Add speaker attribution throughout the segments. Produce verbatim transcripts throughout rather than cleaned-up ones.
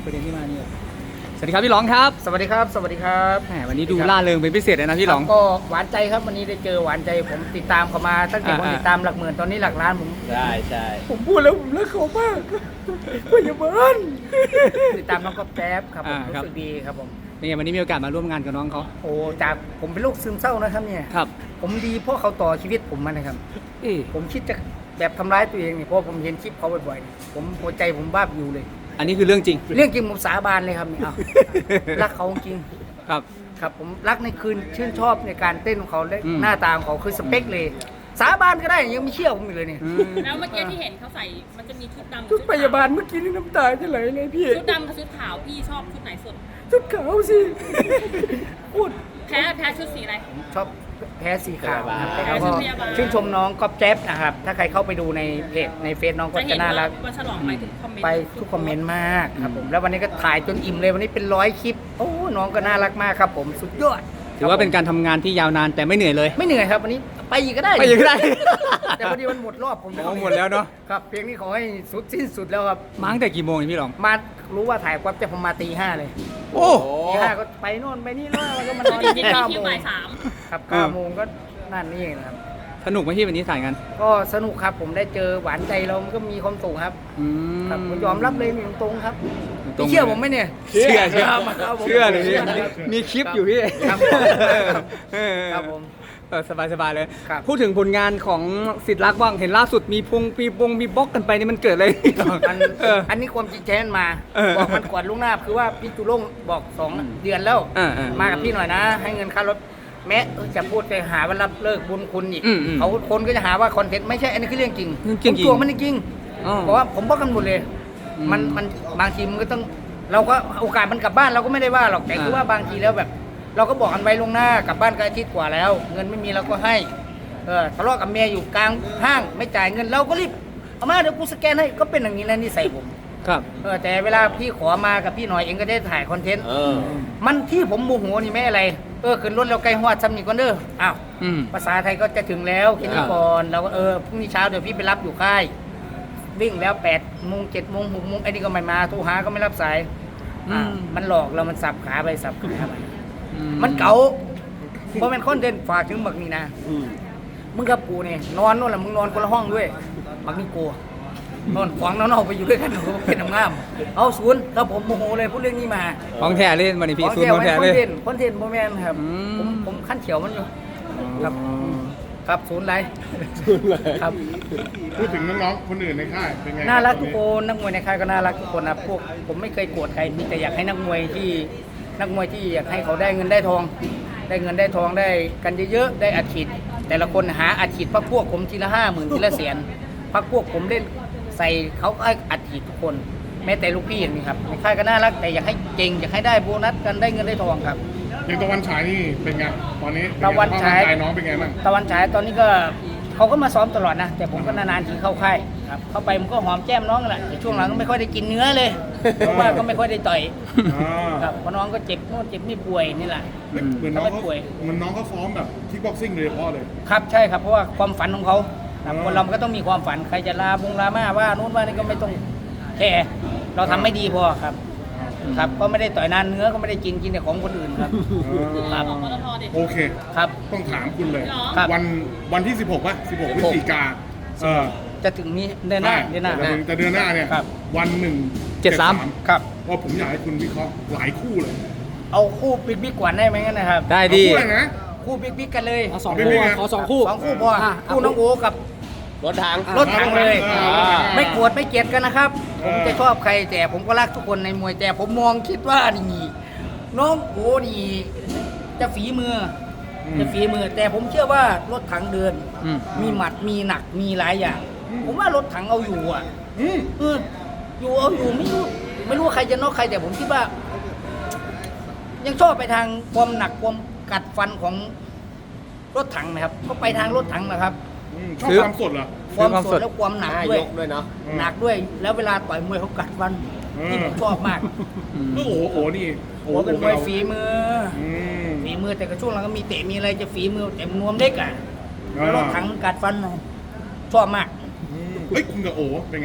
Speaker 1: ประเด็นที่มาเนี่ยสวัสดีครับพี่หลองครับ
Speaker 2: สวัสดีครับสวัสดีครับ
Speaker 1: แหมวันนี้ดูล่าเริงเป็นพิเศษเลยนะพี่หลอง
Speaker 2: ก็หวานใจครับวันนี้ได้เจอหวานใจผมติดตามเขามาตั้งแต่ผม
Speaker 1: อ่า
Speaker 2: ติดตามหลักหมื่นตอนนี้หลักล้านผม
Speaker 3: ใช่ใช่
Speaker 2: ผมพูดแล้วผมรักเขามากพยาบาลติดตามน้องก๊อฟแจ๊บครับผมรู้สึกดีครับผม
Speaker 1: นี่วันนี้มีโอกาสมาร่วมงานกับน้องเขา
Speaker 2: โอ้จากผมเป็นโรคซึมเศร้านะครับเนี่ย
Speaker 1: ครับ
Speaker 2: ผมดีเพราะเขาต่อชีวิตผมมานะครับ
Speaker 1: เอ๊ะ
Speaker 2: ผมคิดจะแบบทำร้ายตัวเองเนี่ยเพราะผมเห็นคลิปเขาบ่อยๆเนี่ยผมหัวใจผมบ้าบอยู่เลย
Speaker 1: อันนี้คือเรื่องจริง
Speaker 2: เรื่องจริงผมสาบานเลยครับเนี่ยเอารักเขาจริง
Speaker 1: ครับ
Speaker 2: ครับผมรักในคืนชื่นชอบในการเต้นของเขาและ
Speaker 1: อืม
Speaker 2: หน้าตาของเขาคือสเปคเลย สาบานก็ได้ยังไม่เชื่อผมอีกเลยเนี่ย
Speaker 1: อืม
Speaker 4: แล้วเมื่อกี้ที่เห็นเขาใส่ มันจะมีชุดดำกับ
Speaker 2: ชุดพยาบาล
Speaker 4: ขว
Speaker 2: เมื่อกี้นี่น้ำตาจะไหลเลยพี่
Speaker 4: ชุดดำกับชุดขาวพี่ชอบชุดไหนสุด
Speaker 2: ชุดขาวสิพูด
Speaker 4: แพ้แพ้ชุดสีอะไร
Speaker 2: ชอบแพ้สีขาวนะครับ
Speaker 4: แพ้
Speaker 2: แล้ว
Speaker 4: ชุ
Speaker 2: ก็
Speaker 4: ดพยาบาล
Speaker 2: ชื่นชมน้องก๊อฟแจ๊บนะครับ ถ้าใครเข้าไปดูในเพจในเฟซน้องก็
Speaker 4: จะเห็
Speaker 2: จะ
Speaker 4: น
Speaker 2: น่า
Speaker 4: ว่า
Speaker 2: รัก
Speaker 4: วันฉลองไปถึงคอมเมนต์
Speaker 2: ไปทุกคอมเมนต์มากครับผมแล้ววันนี้ก็ถ่ายจนอิ่มเลยวันนี้เป็นร้อยคลิปโอ้น้องก็น่ารักมากครับผมสุดยอด
Speaker 1: ถือว่าเป็นการทำงานที่ยาวนานแต่ไม่เหนื่อยเลย
Speaker 2: ไม่เหนื่อยครับวันนี้ไปอีกก็ได้
Speaker 1: ไปอีกก็ได้
Speaker 2: แต่พอดีมันหมดรอบผม
Speaker 1: โอ้หมดแล้วเนาะ
Speaker 2: ครับเพลงนี้ขอให้สุดสิ้นสุดแล้วครับ
Speaker 1: มาตั้งแต่กี่โมงเนี่ยพี่หลอง
Speaker 2: มารู้ว่าถ่ายก๊อฟจะผมมาตีห้าเลย
Speaker 1: โอ้
Speaker 2: ตีห้าก็ไปโน่นไปนี่แล้วก็มานอน
Speaker 4: จริง
Speaker 2: ที่
Speaker 4: ๆ
Speaker 2: เก้า
Speaker 4: มี
Speaker 2: โม
Speaker 4: คิว
Speaker 2: ง
Speaker 4: บ่ายสาม
Speaker 2: ครับเก้าโมงก็นั่นนี่เองนะครับ
Speaker 1: สนุกไหมพี่วันนี้ถ่ายกัน
Speaker 2: ก็สนุกครับผมได้เจอหวานใจเรามันก็มีความสุขครับ
Speaker 1: อืม
Speaker 2: ครับผมยอมรับเลยตรงๆครับ
Speaker 1: ตรงๆ
Speaker 2: พี่เชื่อผมไหมเนี่ย
Speaker 1: เชื่อเชื่อ
Speaker 2: ครับครับผม
Speaker 1: เชื่อเลยพี่
Speaker 2: ชื่ครับ
Speaker 1: มีคลิปอยู่พี่
Speaker 2: ครับ
Speaker 1: เออ
Speaker 2: ครับผม
Speaker 1: เออสบายๆเลย
Speaker 2: ครับ
Speaker 1: พูดถึงผลงานของสิทธิ์รักบ้างเห็นล่าสุดมีพงปีบงมีบล็อกกันไปนี่มันเกิดอะไรขึ้น
Speaker 2: อัน
Speaker 1: เออ
Speaker 2: อันนี้ความจริงแท้มา
Speaker 1: เออ
Speaker 2: บอกมันก่อนล่วงหน้าคือว่าพี่จุลงบอกสองเดือนแล้ว
Speaker 1: เออเออ
Speaker 2: มากับพี่หน่อยนะ ให้เงินค่ารถแม้เออจะพูดไปหาว่ารับเลิกบุญคุณอีก
Speaker 1: อืมอืม
Speaker 2: เขาคนก็จะหาว่าคอนเทนต์ไม่ใช่อันนี้คือเรื่องจริง
Speaker 1: เรื่องจริง
Speaker 2: ผมตัวมันจริง
Speaker 1: อ๋อ
Speaker 2: เพราะว่าผมบอกกันหมดเลย
Speaker 1: อืม
Speaker 2: มันมันบางทีมันก็ต้องเราก็โอกาสมันกลับบ้านเราก็ไม่ได้ว่าหรอกแต่
Speaker 1: อ่า
Speaker 2: คือว่าบางทีแล้วแบบ เราก็บอกกันไว้ล่วงหน้ากลับบ้านก็อาทิตย์กว่าแล้ว เงินไม่มีเราก็ให้เออทะเลาะกับเมียอยู่กลางห้างไม่จ่ายเงินเราก็รีบเอามาเดี๋ยวกูสแกนให้ก็เป็นอย่างนี้แล้วนิสัยผม
Speaker 1: ครับ
Speaker 2: เออแต่เวลาพี่ขอมากับพี่หน่อยเองก็ได้ถ่ายคอนเทนต์
Speaker 3: เออ
Speaker 2: มันที่ผมโมโหนี่ไม่อะไร เออขึ้นรถแล้วไกลฮอดซ้ำนี่ก่อนเด้อ อ้าว
Speaker 1: อืม
Speaker 2: ภาษาไทยก็จะถึงแล้วแค่
Speaker 1: ค
Speaker 2: นี้
Speaker 1: รับ
Speaker 2: ก่อนเราก็เออพรุ่งนี้เช้าเดี๋ยวพี่ไปรับอยู่ค่าย วิ่งแล้วแปดโมงเจ็ดโมงหกโมงไอ้นี่ก็ไม่มาโทรหาก็ไม่รับสายอ่ามันหลอกเรามันสับขาไปสับขาไป
Speaker 1: อื
Speaker 2: มันเก๋าเพราะมันคอนเทนต์ฝากถึงบักนี่นะ
Speaker 3: อืม
Speaker 2: มึงกับกูเนี่ยนอนนู่นแหละมึงนอนคนละห้องด้วยบักนี่กูนอนขวางนอนเอาไปอยู่ด้วยกันโอ้โหเป็นน้ำงามเอาศูนย์ครับผมโมโหเลยพูดเรื่องนี้มา
Speaker 1: ของแท้เล่นวันนี้พี่ซูนย์ของแท้
Speaker 2: ค
Speaker 1: เล
Speaker 2: อน
Speaker 1: ย
Speaker 2: เทนต์คอนเทนต์โมแมนครับ
Speaker 1: อืม
Speaker 2: ผมผมขั้นเขียวมันอยู่ ครับ ครับศูนย์ไรครับ
Speaker 5: พูดถึงน้องๆ คนอื่นในค่ายเป็นไง
Speaker 2: น่ารักทุกคนนักมวยในค่ายก็น่ารักทุกคนนะพวกผมไม่เคยโกรธใครมีแต่อยากให้นักมวยที่นักมวยที่อยากให้เขาได้เงินได้ทอง ได้เงินได้ทองได้กันเยอะๆได้อัดฉีดแต่ละคนหาอัดฉีดพักพวกผมทีละห้าหมื่นทีละแสนพักพวกผมเล่นใส่เขาก็อัดฉีดทุกคน แม้แต่ลูกพี่อย่างนี้ครับในค่ายก็น่ารักแต่อยากให้เก่งอยากให้ได้โบนัสกันได้เงินได้ทองครับ
Speaker 5: อย่างตะวันฉายนี่เป็นไง ตอนนี้เป็ไง
Speaker 2: ตะวันฉาย
Speaker 5: สภพร่งกน้องเป็นไงบ้าง
Speaker 2: ตะวันฉายตอนนี้ก็เขาก็มาซ้อมตลอดนะ แต่ผมก็นานๆทีเข้าค่ายครับเข้าไปมันก็หอมแก้มน้องนั่นแหละแต่ช่วงหลังก็ไม่ค่อยได้กินเนื้อเลยเพราะว่าก็ไม่ค่อยได้ต่อย
Speaker 5: อ่า
Speaker 2: ครับเพราะน้องก็เจ็บโน่นเจ็บนี่ป่วยนี่แหละ
Speaker 5: เหมือนน้องเขา
Speaker 2: ป่วย
Speaker 5: เหมือนน้องเขาซ้อมแบบคิกบ็อกซิ่งโดยเฉพาะเลย
Speaker 2: ครับใช่ครับเพราะว่าความฝันของเขาครับ
Speaker 5: อืม
Speaker 2: คนเรามันก็ต้องมีความฝันใครจะลาบงลามาว่าโน้นว่านี่ก็ไม่ต้องแคร์เราทำไม่ดีพอครับ ครับก็ไม่ได้ต่อยนานเนื้อก็ไม่ได้กินกินแต่ของคนอื่นครับ ครับ
Speaker 4: ของปตทดิ
Speaker 5: โอเค
Speaker 2: ครับ
Speaker 5: ต้องถามคุณเลย
Speaker 2: ครับ
Speaker 5: วันวันที่ สิบหกป่ะ สิบหก พฤศจิกาเออ
Speaker 2: จะถึงนี้เดือนหน้าเดือนหน้า
Speaker 5: แต่แต่เดือนหน้าเนี่ย
Speaker 2: ครับ
Speaker 5: วันหนึ่ง
Speaker 1: เจ็ดสาม
Speaker 2: ครับ
Speaker 5: ว่าผมอยากให้คุณวิเคราะห์หลายคู่เลย
Speaker 2: เอาคู่บิ๊กบิ๊กกว่าได้ไหมงั้นนะครับ
Speaker 1: ได้
Speaker 5: เอา
Speaker 1: ดี
Speaker 5: คู่เลยนะ
Speaker 2: คู่บิ๊กบิ๊กกันเลย
Speaker 1: เอาสอง
Speaker 5: ไม่
Speaker 1: คู่
Speaker 5: มีไง
Speaker 1: ขอสองคู่
Speaker 2: สองคู่พอคู่น้องโอกับ
Speaker 3: รถทาง
Speaker 2: รถถังเลย
Speaker 5: อ่า
Speaker 2: ไม่โกรธไม่เกลียดกันนะครับ
Speaker 5: เอ
Speaker 2: ผม
Speaker 5: อ
Speaker 2: จะชอบใครแต่ผมก็รักทุกคนในมวยแต่ผมมองคิดว่านี่น้องโอนี่จะฝีมืออจะฝีมือ แต่ผมเชื่อว่ารถถังเดิน
Speaker 1: อืม
Speaker 2: มีหมัดมีหนักมีหลายอย่าง ผมว่ารถถังเอาอยู่อ่ะ
Speaker 5: อืม
Speaker 2: เอออยู่เอาอยู่ไม่รู้ไม่รู้ว่าใครจะนอกใครแต่ผมคิดว่า ยังชอบไปทางความหนักความกัดฟันของรถถังนะครับเขาไปทางรถถังนะครับ
Speaker 5: อืมชอบ
Speaker 1: ซื้อ
Speaker 5: ความสดเหรอ
Speaker 2: ความ
Speaker 1: ความ
Speaker 2: ส
Speaker 1: ส
Speaker 2: ด
Speaker 1: ด
Speaker 2: และความหนัก
Speaker 3: ห้า
Speaker 2: ด้วย
Speaker 3: ยกด้วยเนาะ
Speaker 5: อืม
Speaker 2: หนักด้วย แล้วเวลาต่อยมวยเขากัดฟัน
Speaker 5: อืม
Speaker 2: ที่ผมชอบมาก
Speaker 5: โอ้โหโอ้โหนี่
Speaker 2: โอ้เป็นมวยฝีมือ
Speaker 5: อืม
Speaker 2: ฝีมือแต่ก็ช่วงหลังก็มีเตะมีอะไรจะฝีมือแต่นวมเล็กอ่ะ
Speaker 5: อ่า
Speaker 2: แล้วรถถังกัดฟันชอบมาก
Speaker 5: อืมเฮ้ยคุณกับโอเป็นไง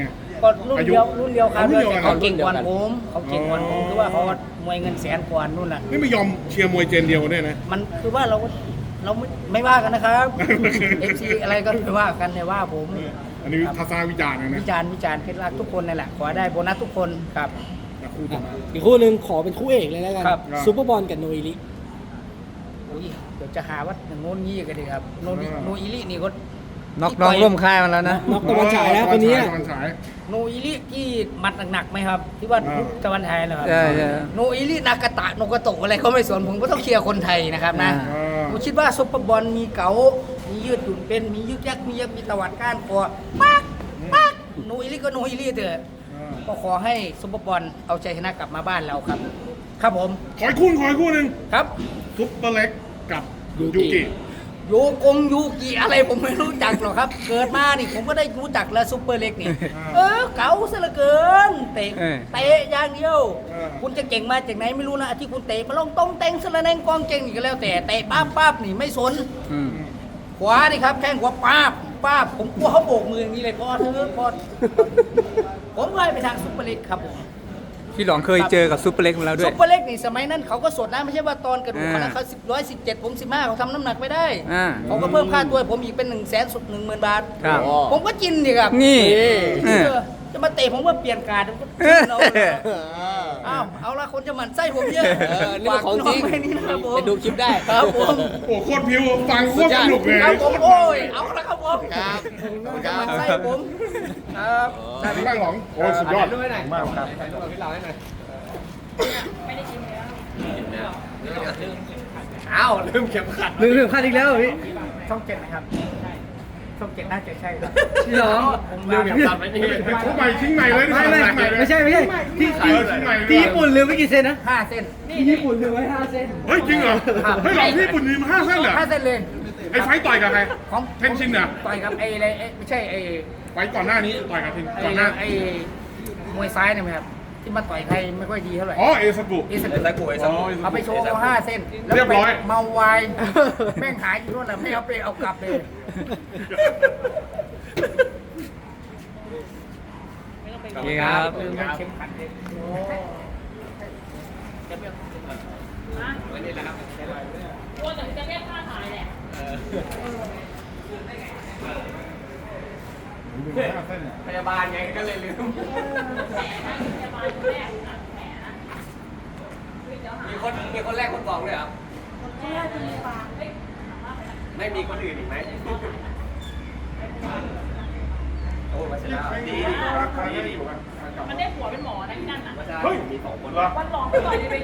Speaker 2: ก็รุ่นเดียว
Speaker 5: อายุ
Speaker 2: รุ่นเดียวครับ
Speaker 5: รุ่นเดียวกัน
Speaker 2: แต่เขาเก่งกว่าผมเขาเก่งกว่าผมคือว่าเขามวยเงินแสนกว่านู่นน่ะ
Speaker 5: นี่ไม่ยอมเชียร์มวยเจนเดียวกันด้วยนะ
Speaker 2: มันคือว่าเราเราไม่ไม่ว่ากันนะครับเอฟซีอะไรก็ไม่ว่ากันเลยว่าผม
Speaker 5: อันนี้ทัศนวิจารณ์นะนะ
Speaker 2: วิจารณ์วิจารณ์เพชรรักทุกคนนั่นแหละขอได้โบนัสทุกคนครับ
Speaker 5: แต่คู่ต่อมา
Speaker 3: อีกคู่หนึ่งขอเป็นคู่เอกเลยแล้วกัน
Speaker 2: ครับ
Speaker 3: ซูเปอร์บอลกับโนอิลิ
Speaker 2: อุ้ยเดี๋ยวจะหาว่าอย่างโน้นงี้กันดีครับโนบิ
Speaker 5: อ่า
Speaker 2: โนอิลินี่ก็
Speaker 1: น็อกน้องร่วมค่ายมาแล้วนะ
Speaker 3: น็อกตะวันฉายแล้วคนนี้
Speaker 5: ตะวันฉาย
Speaker 2: โนอิลิที่หมัดหนักๆไหมครับ ที่ว่า
Speaker 5: อ่า
Speaker 2: ตะวันไทยนะครับ
Speaker 1: ใช่ใช่
Speaker 2: โนอิลินากาตะโนกาโตะอะไรก็ไม่สนผมก็ต้องเคลียร์คนไทยนะครับนะ
Speaker 1: อ่า
Speaker 5: อ่า
Speaker 2: ผมคิดว่าซุปเปอร์บอลมีเก๋ามียืดหยุ่นเป็นมียึกยักมียักมีตะวัดก้านคอปักปักโนอิลิก็โนอิลิเถอะ
Speaker 5: อ่า
Speaker 2: ก็ขอให้ซุปเปอร์บอลเอาชัยชนะกลับมาบ้านเราครับ ครับผม
Speaker 5: ขออีกคู่ขออีกคู่หนึ่ง
Speaker 2: ครับ
Speaker 5: ซุปเปอร์เล็กกับ
Speaker 3: ยู
Speaker 5: ยู
Speaker 3: กิ
Speaker 5: กิ
Speaker 2: โยกงยูกิอะไรผมไม่รู้จักหรอกครับ เกิดมานี่ผมก็ได้รู้จักแล้วซุปเปอร์เล็กนี่ เออเก๋าซะเหลือเกินเตะ
Speaker 1: เออ
Speaker 2: เตะอย่างเดียว คุณจะเก่งมาจากไหนไม่รู้นะที่คุณเตะมาลงต้งเต็งสละแนงกองเก่งนี่ก็แล้วแต่เตะป้าบป้าบนี่ไม่สน
Speaker 1: อืม
Speaker 2: ขวานี่ครับแข้งขวาป้าบป้าบผมกลัวเขาโบกมืออย่างนี้เลยพอเธอะพอผมเลยไปทางซุปเปอร์เล็กครับผม
Speaker 1: พี่หลองเคยเจอกับซูเปอร์เล็กมาแล้วด้ว
Speaker 2: ซุ
Speaker 1: ย
Speaker 2: ปเปอร์เล็กนี่สมัยนั้นเขาก็สดนะไม่ใช่ว่าตอนกระดูก
Speaker 1: อ่า
Speaker 2: เขานะเขาสิบร้อยสิบเจ็ดผมสิบห้าเขาทำน้ำหนักไม่ได้
Speaker 1: อ่า
Speaker 2: เขาก็เพิ่มค่าตัวให้ผมอีกเป็นหนึ่งแสนสุดหนึ่งหมื่นบาท
Speaker 1: ครับ
Speaker 2: ผมก็กินดิครับ
Speaker 1: นี่
Speaker 2: เอ
Speaker 1: เออ
Speaker 2: อจะมาเตะผมว่าเปลี่ยนการดผมก็กินเอาเลยอ้าวเอาละคนจะหมั่นไส้ผมเยอะ
Speaker 3: เออนี่มันของจริง
Speaker 2: ฝากน้ไว้นี่นะครับผม
Speaker 3: ไปดูคลิปได้
Speaker 2: ครับผม
Speaker 5: โอ้โคตรพิวฟังโคตรสนุกเลย
Speaker 2: ครับผมโอ้ยเอาละครับผม
Speaker 3: ครับ
Speaker 2: จะหมั่นไส้ผมครับ
Speaker 5: ได้ไหมบ้างหลงโอ้ยสุดยอดมากครับ
Speaker 2: อ้าวลืมเข็มขัด
Speaker 1: ลืมลืมพลาดอีกแล้วเหรอพี่
Speaker 2: ช่องเจ็ดนะครับช่องเจ็ดน่าจะใช่ครับ
Speaker 1: พี่หลอง
Speaker 2: ผม
Speaker 1: ลื
Speaker 2: ลื
Speaker 1: ม
Speaker 2: ม
Speaker 1: เข็
Speaker 2: เข็
Speaker 1: ม
Speaker 2: ม
Speaker 1: ขั
Speaker 2: ขั
Speaker 1: ด
Speaker 2: ด
Speaker 1: ไว้
Speaker 2: ไว้
Speaker 1: นี่
Speaker 2: นี่
Speaker 5: ทุกใบทิ้งใหม่เลย
Speaker 1: ไม่ไม่ไม่ใช่ไม่ใช่ที่
Speaker 5: เออทิ้งใหม่
Speaker 1: ที่ญี่ปุ่นลืมไม่กี่เซนนะ
Speaker 2: ห้าเส้น
Speaker 1: ที่ญี่ปุ่นลืมไว้ห้าเซน
Speaker 5: เฮ้ยจริงเหรอเฮ้ยหลงที่ญี่ปุ่นมีมาห้าเส้นเหรอ
Speaker 2: ห้าเส้นเลย
Speaker 5: ไอ้ไฟต์ต่อยกับใคร
Speaker 2: ของ
Speaker 5: เทนชินเหรอ
Speaker 2: ต่อยกับไอ้อะไรไอ้ไม่ใช่ไอ้
Speaker 5: ไฟต์ก่อนหน้านี้ต่อยกับเทน
Speaker 2: ไอ้
Speaker 5: ก่อนหน้า
Speaker 2: ไอ้มวยซ้ายเนี่ยไหมครับที่มาต่อยใครไม่ค่อยดีเท่าไหร่
Speaker 5: อ๋อเอซักุ
Speaker 2: เอส
Speaker 5: อ๋อ
Speaker 2: เอาไปโชว์เอาห้าเส้นแล้ว
Speaker 5: เรียบร้อย
Speaker 2: ไปเมาวายแม่งหายอยู่นู่นน่ะไม่เอาไปเอากลับเลย
Speaker 1: โอเคครับ
Speaker 2: ลืมเข็มขัดเลย
Speaker 4: กลัวแต่จะเรียกค่าถ่ายแหละ
Speaker 2: พยาบาลไงก็เลยลืม มีคนมีคนแรกคนสองเลยครับไม่มีคนอื่นอีกไหมโอ้มาเสร็จแล้วดีดีดีดี
Speaker 4: มันได้ผัวเป็นหมอนะที่นั่นน่ะ
Speaker 5: เฮ้ยมีสองคนเหรอ
Speaker 4: วันหลองไปต่อยในเว